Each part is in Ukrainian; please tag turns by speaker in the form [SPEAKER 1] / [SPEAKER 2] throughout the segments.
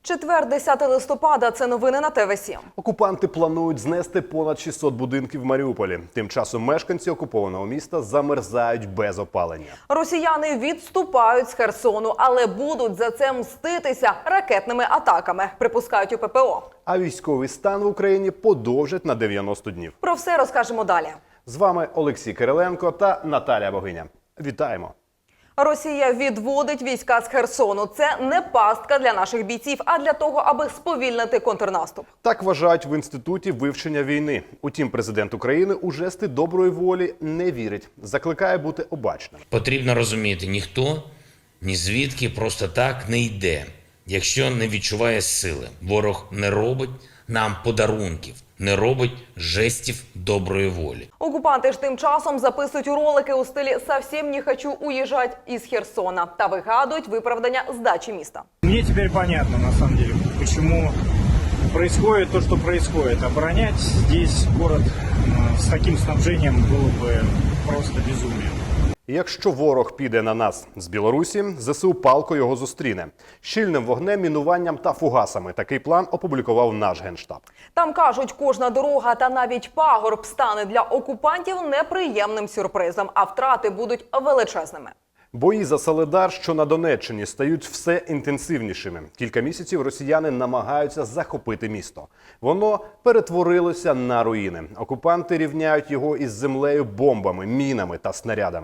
[SPEAKER 1] Четвер, 10 листопада. Це новини на ТВ7.
[SPEAKER 2] Окупанти планують знести понад 600 будинків в Маріуполі. Тим часом мешканці окупованого міста замерзають без опалення.
[SPEAKER 1] Росіяни відступають з Херсону, але будуть за це мститися ракетними атаками, припускають у ППО.
[SPEAKER 2] А військовий стан в Україні подовжать на 90 днів.
[SPEAKER 1] Про все розкажемо далі.
[SPEAKER 2] З вами Олексій Кириленко та Наталія Богиня. Вітаємо!
[SPEAKER 1] Росія відводить війська з Херсону. Це не пастка для наших бійців, а для того, аби сповільнити контрнаступ.
[SPEAKER 2] Так вважають в Інституті вивчення війни. Утім, президент України у жести доброї волі не вірить. Закликає бути обачним.
[SPEAKER 3] Потрібно розуміти, ніхто ні звідки просто так не йде, якщо не відчуває сили. Ворог не робить нам подарунків, не робить жестів доброї волі.
[SPEAKER 1] Окупанти ж тим часом записують ролики у стилі «Совсем не хочу уїжджати із Херсона» та вигадують виправдання здачі міста.
[SPEAKER 4] Мне теперь понятно, на самом деле, почему происходит то, что происходит. Оборонять здесь город с таким снабжением было бы просто безумием.
[SPEAKER 2] Якщо ворог піде на нас з Білорусі, ЗСУ палко його зустріне. Щільним вогнем, мінуванням та фугасами. Такий план опублікував наш Генштаб.
[SPEAKER 1] Там кажуть, кожна дорога та навіть пагорб стане для окупантів неприємним сюрпризом, а втрати будуть величезними.
[SPEAKER 2] Бої за Солидар, що на Донеччині, стають все інтенсивнішими. Кілька місяців росіяни намагаються захопити місто. Воно перетворилося на руїни. Окупанти рівняють його із землею бомбами, мінами та снарядами.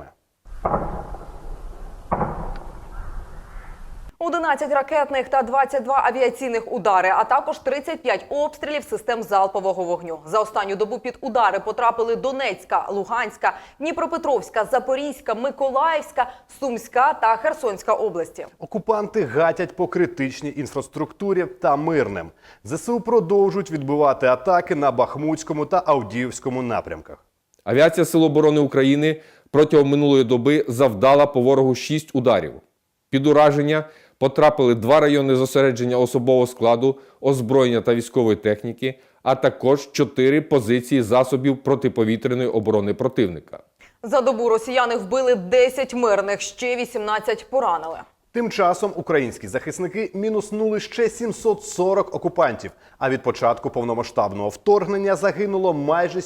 [SPEAKER 1] 11 ракетних та 22 авіаційних удари, а також 35 обстрілів систем залпового вогню. За останню добу під удари потрапили Донецька, Луганська, Дніпропетровська, Запорізька, Миколаївська, Сумська та Херсонська області.
[SPEAKER 2] Окупанти гатять по критичній інфраструктурі та мирним. ЗСУ продовжують відбивати атаки на Бахмутському та Авдіївському напрямках.
[SPEAKER 5] Авіація Сил оборони України протягом минулої доби завдала по ворогу 6 ударів. Під ураження потрапили 2 райони зосередження особового складу, озброєння та військової техніки, а також 4 позиції засобів протиповітряної оборони противника.
[SPEAKER 1] За добу росіяни вбили 10 мирних, ще 18 поранили.
[SPEAKER 2] Тим часом українські захисники мінуснули ще 740 окупантів, а від початку повномасштабного вторгнення загинуло майже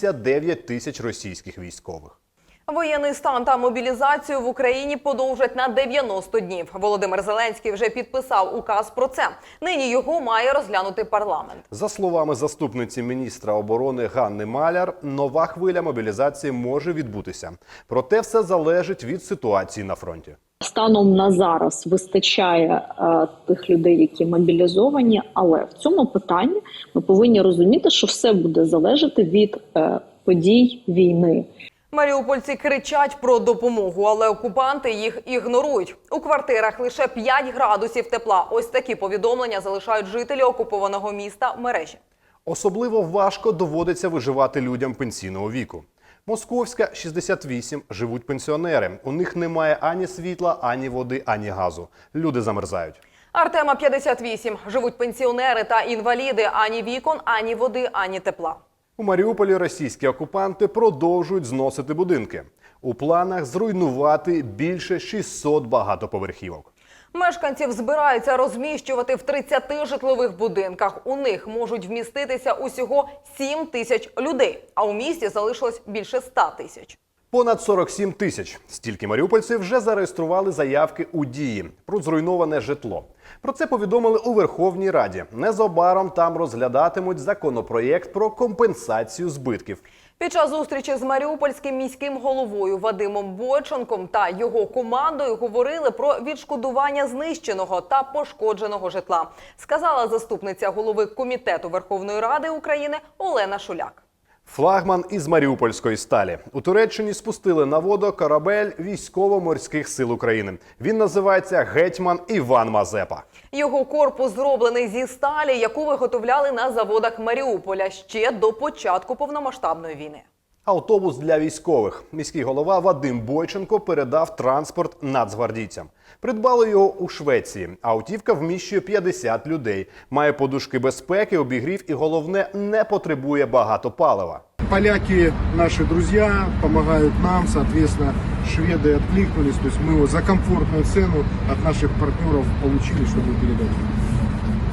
[SPEAKER 2] 79 тисяч російських військових.
[SPEAKER 1] Воєнний стан та мобілізацію в Україні подовжать на 90 днів. Володимир Зеленський вже підписав указ про це. Нині його має розглянути парламент.
[SPEAKER 2] За словами заступниці міністра оборони Ганни Маляр, нова хвиля мобілізації може відбутися. Проте все залежить від ситуації на фронті.
[SPEAKER 6] Станом на зараз вистачає тих людей, які мобілізовані, але в цьому питанні ми повинні розуміти, що все буде залежати від подій війни.
[SPEAKER 1] Маріупольці кричать про допомогу, але окупанти їх ігнорують. У квартирах лише 5 градусів тепла. Ось такі повідомлення залишають жителі окупованого міста в мережі.
[SPEAKER 2] Особливо важко доводиться виживати людям пенсійного віку. Московська, 68, живуть пенсіонери. У них немає ані світла, ані води, ані газу. Люди замерзають.
[SPEAKER 1] Артема, 58, живуть пенсіонери та інваліди. Ані вікон, ані води, ані тепла.
[SPEAKER 2] У Маріуполі російські окупанти продовжують зносити будинки. У планах зруйнувати більше 600 багатоповерхівок.
[SPEAKER 1] Мешканців збираються розміщувати в 30 житлових будинках. У них можуть вміститися усього 7 тисяч людей, а у місті залишилось більше 100 тисяч.
[SPEAKER 2] Понад 47 тисяч. Стільки маріупольців вже зареєстрували заявки у Дії про зруйноване житло. Про це повідомили у Верховній Раді. Незабаром там розглядатимуть законопроєкт про компенсацію збитків.
[SPEAKER 1] Під час зустрічі з маріупольським міським головою Вадимом Бойченком та його командою говорили про відшкодування знищеного та пошкодженого житла, сказала заступниця голови Комітету Верховної Ради України Олена Шуляк.
[SPEAKER 2] Флагман із Маріупольської сталі. У Туреччині спустили на воду корабель військово-морських сил України. Він називається «Гетьман Іван Мазепа».
[SPEAKER 1] Його корпус зроблений зі сталі, яку виготовляли на заводах Маріуполя ще до початку повномасштабної війни.
[SPEAKER 2] Автобус для військових. Міський голова Вадим Бойченко передав транспорт нацгвардійцям. Придбали його у Швеції. Автівка вміщує 50 людей. Має подушки безпеки, обігрів і, головне, не потребує багато палива.
[SPEAKER 7] Поляки наши друзья, помогают нам, соответственно, шведы откликнулись. То есть мы его за комфортную цену от наших партнеров получили, чтобы передать.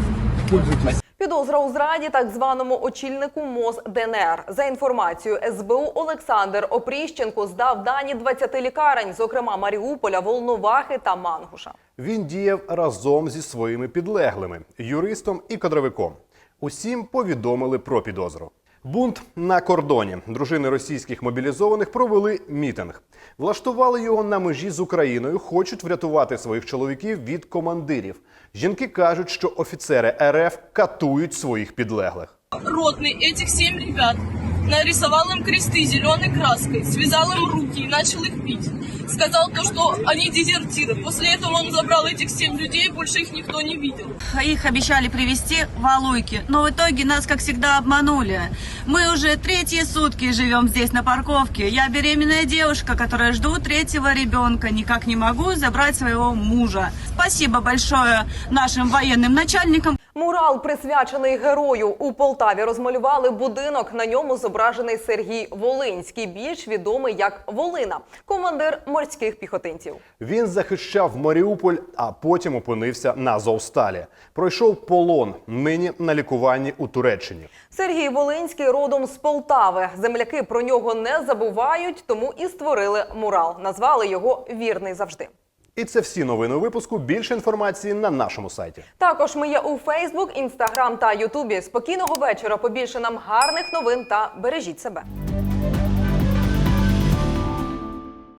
[SPEAKER 7] Пользуйтесь.
[SPEAKER 1] Підозра у зраді так званому очільнику МОЗ ДНР. За інформацією СБУ, Олександр Опріщенко здав дані 20 лікарень, зокрема Маріуполя, Волновахи та Мангуша.
[SPEAKER 2] Він діяв разом зі своїми підлеглими – юристом і кадровиком. Усім повідомили про підозру. Бунт на кордоні. Дружини російських мобілізованих провели мітинг. Влаштували його на межі з Україною, хочуть врятувати своїх чоловіків від командирів. Жінки кажуть, що офіцери РФ катують своїх підлеглих.
[SPEAKER 8] Ротный этих 7 ребят нарисовал им кресты зеленой краской, связал им руки и начал их бить. Сказал то, что они дезертиры. После этого он забрал этих 7 людей, больше их никто не видел.
[SPEAKER 9] Их обещали привезти в Алуйки, но в итоге нас, как всегда, обманули. Мы уже 3 сутки живем здесь на парковке. Я беременная девушка, которая жду 3-го ребенка. Никак не могу забрать своего мужа. Спасибо большое нашим военным начальникам.
[SPEAKER 1] Мурал, присвячений герою. У Полтаві розмалювали будинок. На ньому зображений Сергій Волинський, більш відомий як Волина, командир морських піхотинців.
[SPEAKER 2] Він захищав Маріуполь, а потім опинився на Азовсталі. Пройшов полон, нині на лікуванні у Туреччині.
[SPEAKER 1] Сергій Волинський родом з Полтави. Земляки про нього не забувають, тому і створили мурал. Назвали його «Вірний завжди».
[SPEAKER 2] І це всі новини випуску. Більше інформації на нашому сайті.
[SPEAKER 1] Також ми є у Фейсбук, Інстаграм та Ютубі. Спокійного вечора, побільше нам гарних новин та бережіть себе.